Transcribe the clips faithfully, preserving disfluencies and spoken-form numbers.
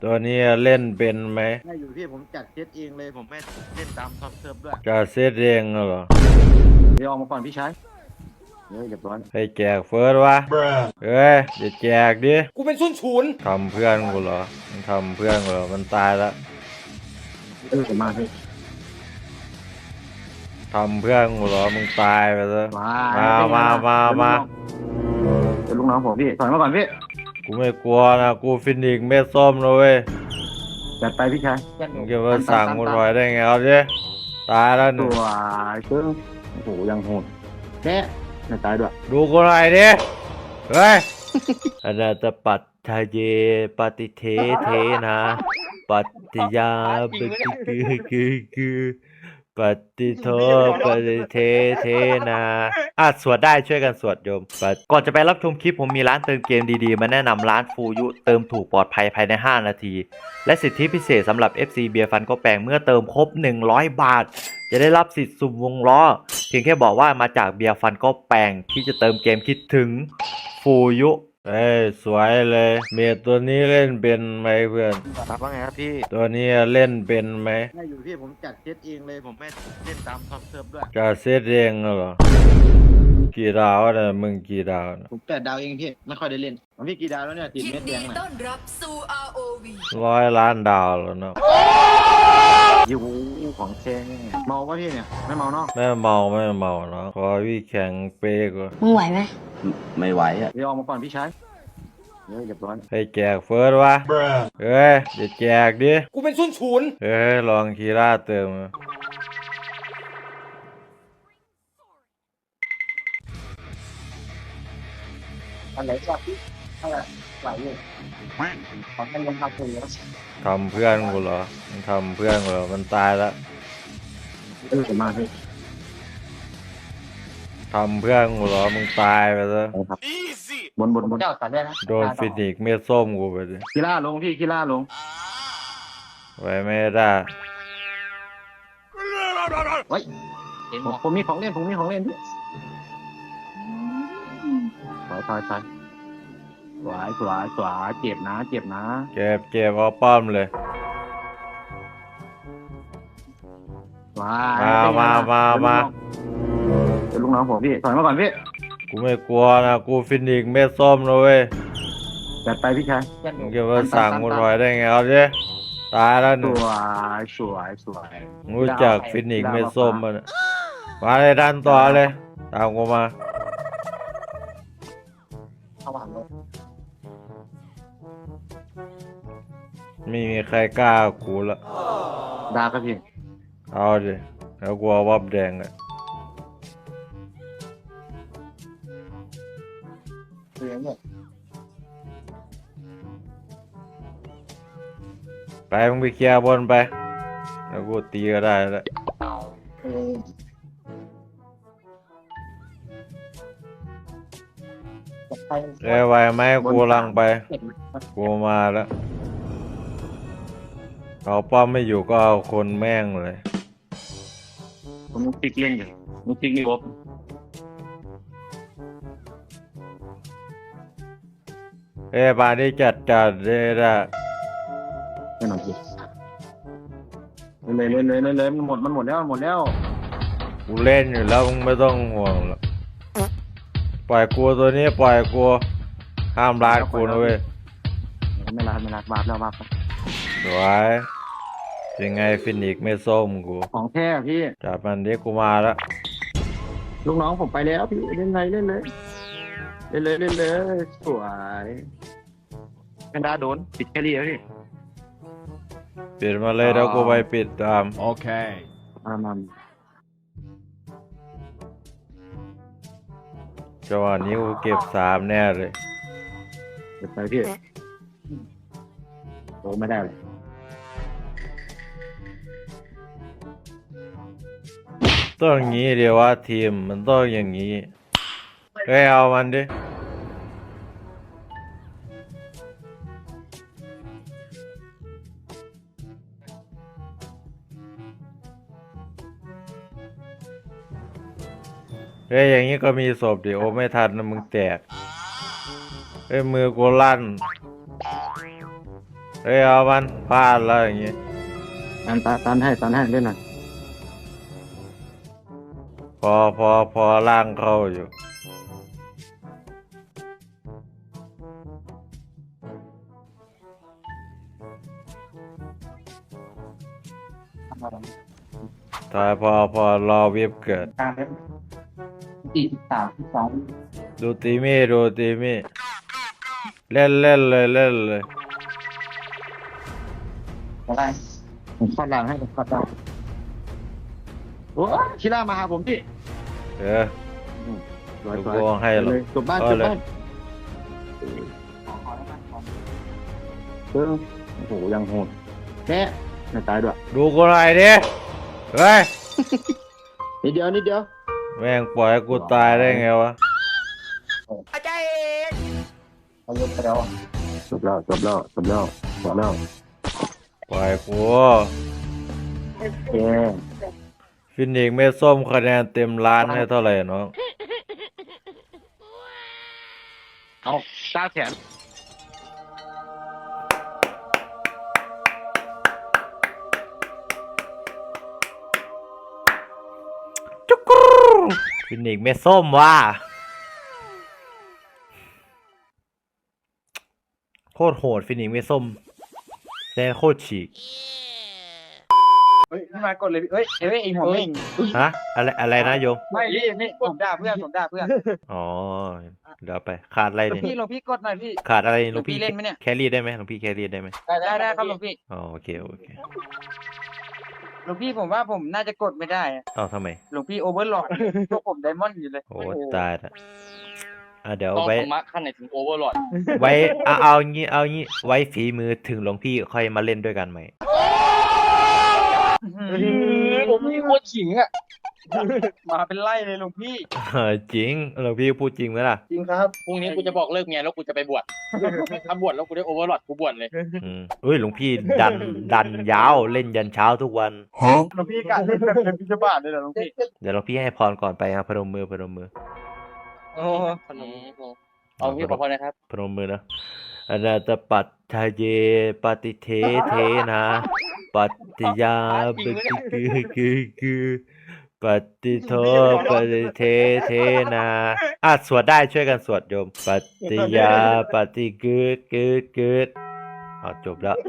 ตัวนี้เล่นเป็นไหมได้อยู่พี่ผมจัดเซตเองเลยผมไม่เล่นตามซอฟเซิร์ฟด้วยจะเซตเองเหรอเดี๋ยวออกมาก่อนพี่ชายเฮ้ยเรียบร้อยให้แจกเฟิร์สวะเฮ้ยอย่าแจกดิกูเป็นส้นศูนย์ทำเพื่อนกูเหรอมันทำเพื่อนกูเหรอมันตายแล้วเออมาพี่ทำเพื่อนกูเหรอมึงตายไปแล้วมามามามามาเป็นลูกน้องผมพี่ถอยมาก่อนพี่กูไม่กลัวนะกูฟินิกซ์เม็ดส้มนะเว้ยจัดไปพี่ชายมึงจะมาสั่งกูถอยได้ไงเอาดิตายแล้วหตันึ่งวเชื่อโอ้โหยังโหดแน่ไม่ตายด้วยดูกูหน่อยดิเฮ้ยอนาตปัตทะเยปฏิเทเทนะปัตติยาปฏิคือคือคือปฏิโทปฏิเทเทนะอ่ะสวดได้ช่วยกันสวดโยมก่อนจะไปรับชมคลิปผมมีร้านเติมเกมดีๆมาแนะนำร้านฟูยุเติมถูกปลอดภัยภายในห้านาทีและสิทธิพิเศษสำหรับ เอฟ ซี เบียร์ฟันก็แปลงเมื่อเติมครบหนึ่งร้อยบาทจะได้รับสิทธิ์สุ่มวงล้อเพียงแค่บอกว่ามาจากเบียร์ฟันก็แปลงที่จะเติมเกมคิดถึงฟูยุเอ้ยสวยเลยเมียตัวนี้เล่นเป็นไหมเพื่อนครับว่าไงครับพี่ตัวนี้เล่นเป็นไหมได้อยู่พี่ผมจัดเซตเองเลยผมไม่เล่นตามซอฟเซิร์ฟด้วยจะเซตเองเหรอกี่ดาวนะมึงกี่ดาวนะผมแปดดาวเองพี่ไม่ค่อยได้เล่นผมพี่กี่ดาวแล้วเนี่ยติดเม็ดแดงน่ะต้อนรับสู่ อาร์ โอ วีร้อยล้านดาวแล้วเนาะยูของแท้เมาป่ะพี่เนี่ยไม่เมาเนาะไม่เมาไม่เมาเนาะขอพี่แข่งเป๊กว่ามึงไหวไหมไม่ไหวอ่ะเดี๋ยวออกมาก่อนพี่ชายเฮ้ยเรียบร้อยให้แจกเฟิร์สวะเฮ้ยอย่าแจกดิกูเป็นส้นศูนย์เฮ้ยลองคีร่าเติมอันไหนจับพี่อะไรไหวอยู่ขอให้ยังทำตัวแล้วทำเพื่อนกูเหรอมันทำเพื่อนกูเหรอมันตายแล้วเออมาพี่ทำเพื่อนกูเหรอมึงตายไปแล้วบนบนบนเจ้าตัดได้นะโดนฟินิกซ์เม็ดส้มกูไปดิคีล่าลงพี่คีล่าลงไว้ไม่ได้เฮ้ยผมมีของเล่นผมมีของเล่นพี่สวยสวยสวยสวยสวยสวยเจ็บนะเจ็บนะเก็บเก็บเอาป้อมเลยมามามามาเป็นลูกน้องผมพี่ถอยมาก่อนพี่กูไม่กลัวนะกูฟินิกซ์เม็ดส้มนะเว้ยจัดไปพี่ชายมึงจะมาสั่งกูถอยได้ไงเอาดิตายแล้วหนึ่งสวยสวยสวยรู้จักฟินิกซ์เม็ดส้มมันมาเลยดันต่อเลยตามกูมาไม่มีใครกล้ากูละดาครับพี่เอาดิแล้วกูเอาวับแดงอ่ะไปมึงไปเคลียร์บนไปแล้วกูตีก็ได้แล้วเอ้ยไหวไหมกูลังไปกูมาแล้วเอาป้อมไม่อยู่ก็เอาคนแม่งเลยผมติ๊กเล่นอยู่มึงติ๊กนี่บเอ้ยบาที่จัดจัดเลยละไม่หน่อยสิเลยเลยเลยเลยเลยมันหมดมันหมดแล้วหมดแล้วกูเล่นอยู่แล้วมึงไม่ต้องห่วงหรอกปล่อยกูตัวนี้ปล่อยกูห้ามรัดกูนะเว้ยไม่รัดไม่รัดบาปแล้วบาปสวยยังไงฟินิกไม่ส้มกูของแท้พี่จับมันเรียกกูมาแล้วลูกน้องผมไปแล้วพี่เล่นไรเล่นเลยเล่นเลยเล่นเลยสวยแพนด้าโดนปิดแครี่แล้วพี่ปิดมาเลยแล้วกูไปปิดตามโอเคอามันจังหวะนี้กูเก็บสามแน่เลยเก็บไปพี่โอ้ไม่ได้เลยต้องอย่างนี้เดียวว่าทีมมันต้องอย่างนี้เฮ้ยเอามันดิเฮ้ยอย่างนี้ก็มีศพดิโอไม่ทันนะมึงแตกเฮ้ยมือกูลั่นเฮ้ยเอามันพลาดแล้วอย่างงี้ตันตันตันให้ตันให้เล่นหน่อยพอพอพอล่างเข้าอยู่ตายพอพอรอเว็บเกิดกลางเล่นสี่สิบสามสิบสองดูตีมี่ดูตีมี่เล่นเล่นเลยเล่นเลยอะไรผมคอดหลังให้ผมคอดหลังโอ้ยชิล่ามาหาผมพี่เออร้อยลูกร้อยโป่งให้หรอเลยจบบ้านเอาจบเลยบ้านเออโอ้โหยังโหดแค่ไม่ตายด้วยดูกูหน่อยดิเฮ้ยนิดเดียวนิดเดียวแม่งปล่อยให้กูตายได้ไงวะเอายกไปแล้วจบแล้วจบแล้วจบแล้วจบแล้วปล่อยกูเย้ฟินิกซ์ไม่ส้มคะแนนเต็มล้านให้เท่าไหร่น้องเอาตาแขนจุกรูฟินิกซ์ไม่ส้มว่ะโคตรโหดฟินิกซ์ไม่ส้มแน่โคตรฉีกเฮ้ยพี่มากดเลยพี่เฮ้ยเฮ้ยไอหัวเม่งฮะอะไรอะไรนะโยมไม่พี่นี่ผมด่าเพื่อนผมด่าเพื่อนอ๋อเดี๋ยวไปขาดอะไรหลวงเนี่ยพี่หลวงพี่กดหน่อยพี่ขาดอะไรหหลลววงงพี่พี่เล่นไหมเนี่ยแครี่ได้ไหมหลวงพี่แครี่ได้ไหมได้ได้ได้ครับหลวงพี่อ๋อโอเคโอเคหลวงพี่ผมว่าผมน่าจะกดไม่ได้อะเอ้าทำไมหลวงพี่โอเวอร์หลอดพวกผมไดมอนด์อยู่เลยโอ้ตายละอ่ะเดี๋ยวต้องไว้ธรรมะขั้นไหนถึงโอเวอร์ลอดไว้เอาเอางี้เอางี้ไว้ฝีมือถึงหลวงพี่ค่อยมาเล่นด้วยกันไหมผมมีโคตรขิงอ่ะมาเป็นไล่เลยหลวงพี่เออจริงหลวงพี่พูดจริงไหมล่ะจริงครับพรุ่งนี้กูจะบอกเลิกเมียแล้วกูจะไปบวช ถ้าบวชแล้วกูได้โอเวอร์ลอดกูบวชเลยอืมเอ้ยหลวงพี่ดันดันยาวเล่นยันเช้าทุกวันหลวงพี่กะเล่นแบบเป็นพิจบาทเลยเหรอหลวงพี่เดี๋ยวหลวงพี่ให้พรก่อนไปครับพนมมือพนมมือโอ้ขนมเอาพี่ขอพรนะครับพนมมือนะอนาตปัตทะเยปฏิเทเทนะปัตติยาปฏิกือกือกือปฏิโทปฏิเทเทนะอ่ะสวดได้ช่วยกันสวดโยมปฏิยาปฏิกือกือกืออ๋อจบแล้ว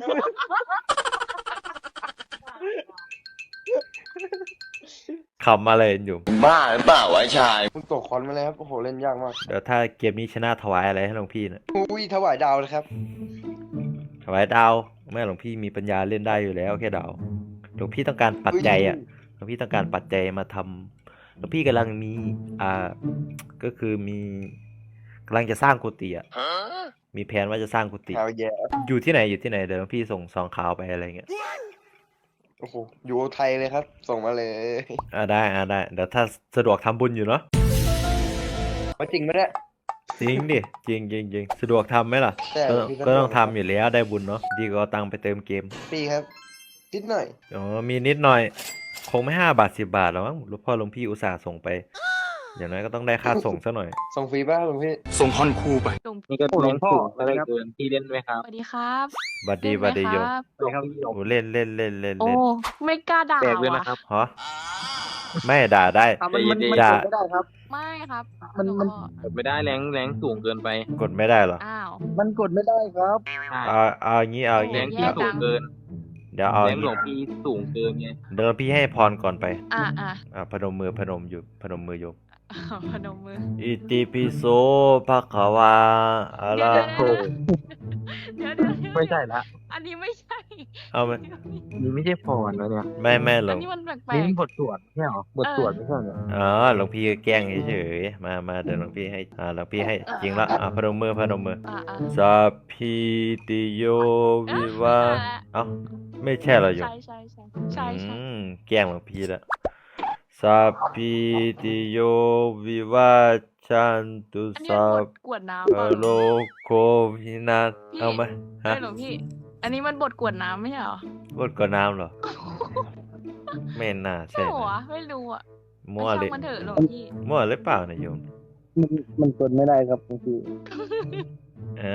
ขำอะไรอยู่บ้าหรือเปล่าวะชายคุณตกคอนมาแล้วครับ โอ้โห เล่นยากมากเดี๋ยวถ้าเกมนี้ชนะถวายอะไรให้หลวงพี่นะอุ้ยถวายดาวเลยครับถวายดาวแม่หลวงพี่มีปัญญาเล่นได้อยู่แล้วแค่ดาวหลวงพี่ต้องการปัจจัยอ่ะหลวงพี่ต้องการปัจจัยมาทำหลวงพี่กำลังมีอ่าก็คือมีกำลังจะสร้างกุฏิอ่ะมีแผนว่าจะสร้างกุฏิข่าวแย่อยู่ที่ไหนอยู่ที่ไหนเดี๋ยวหลวงพี่ส่งซองข่าวไปอะไรเงี้ยโอ้โห อยู่ไทยเลยครับ ส่งมาเลยอ่าได้อ่าได้เดี๋ยวถ้าสะดวกทำบุญอยู่เนาะมาจริงไหมเนี่ยจริงดิจริงจริงจริงสะดวกทำไหมล่ะใช่ก็พี่ก็ต้องทำอยู่แล้วได้บุญเนาะดีก็เอาตังค์ไปเติมเกมปีครับนิดหน่อยอ๋อมีนิดหน่อย คงไม่ห้าบาทสิบบาทแล้วมั้งหลวงพ่อหลวงพี่อุตส่าห์ส่งไป อย่างน้อยก็ต้องได้ค่าส่งซะหน่อยส่งฟรีป่ะหลวงพี่ส่งฮอนคูไปนี่ก็หลวงพ่ออะไรครับพี่เล่นไหมครับสวัสดีครับบัดดีเล่นไหมบัดดีโยมครับโอ้เล่นเล่นเล่นเล่นโอ้เล่นไม่กล้าด่าแปลกเลยว่ะนะครับฮะไม่ด่าได้มันมันมันด่ากดไม่ได้ครับไม่ครับมันมันหลวงพ่อกดไม่ได้แรงแรงสูงเกินไปกดไม่ได้เหรออ้าวมันกดไม่ได้ครับใช่เอาเอาอย่างงี้เอาอย่างแรงี้งพี่สูงเกินเดี๋ยวเอาอแรย่าง งหลงี้วงพี่สูงเกินไงเดี๋ยวพี่ให้พรก่อนไปอ่าอ่าอ่าพนมมือพนมอยู่พนมมือโยมพนมมืออิติปิโสภะคะวาอะระโหเดี๋ยวเดี๋ยวเดี๋ยวไม่ใช่ละอันนี้ไม่ใช่เอาไหมนี่ไม่ใช่พรนะเนี่ยไม่ไม่หลอัวน งนี้มันแปลนี่กมันบทสวดไม่ใช่หรอบทสวดไม่ใช่เหรออ๋อหลวงพี่แกล้งเฉยๆมามาเดี๋ยวหลวงพี่ให้อ่าหลวงพี่ให้จริงละอ่าพนมมือพนมมือๆอ่าอ่าสัพพิติโยวิวาเอ้าไม่ใช่เหรอโยมใช่ใช่ใช่ใช่ใช่อืมแกล้งหลวงพี่ละสัพพิติโยวิวาชันตุอันนี้สัมันบพทกวดน้ำพเปล่าโลโควินาศเอาไหมฮะใช่หลวงพี่ อันนี้มันบทกวดน้ำไม่ใช่เหรอบดก่อนน้ำเหรอ ไม่น่าใช่ใช่เหรอนะวะไม่รู้อ่ะมั่วช่างเลยมันเถอะหลวงพี่มั่วหรือเปล่าเนี่ยโยมมันมันกดไม่ได้ครับบางทีเอะ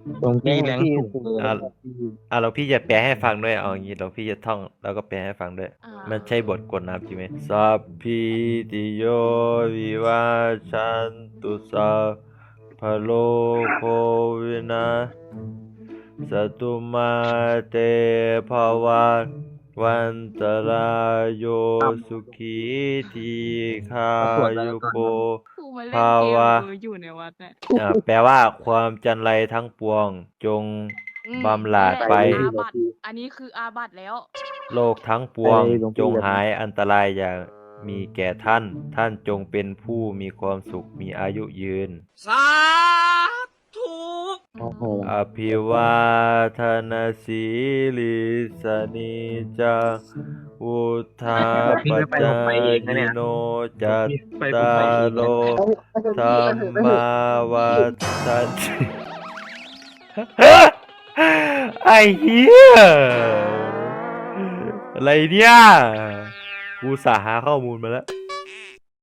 หลวงพี่แรงสูงเลยอ่ะอ่ะเราพี่จะแปลให้ฟังด้วยเอาอย่างงี้เราพี่จะท่องแล้วก็แปลให้ฟังด้วยอ่ามันใช่บทกลน้ำจริงไหมสัพพิติโยวิวัชชันตุสัพพะโลกโควินาสตุมาเตภวัตวันตรายโยสุขีทีคายุโกกูมาเล่นภาเกวะมมืออยู่ในวัดเนี่ยอ่าแปลว่าความจันไรทั้งปวงจงอืมบำราดนี่แหละไปอาบัตอันนี้คืออาบัตแล้วโลกทั้งปวงจงหายอันตรายอย่ามีแก่ท่าน ท่านจงเป็นผู้มีความสุขมีอายุยืนโอ้โหอภิวาทนาสีลิสนิจังวุธาปจายโนจัตตาโลธรรมาวัฏันติ ไอ้เหี้ยอะไรเนี่ยกูสาหาข้อมูลมาแล้ว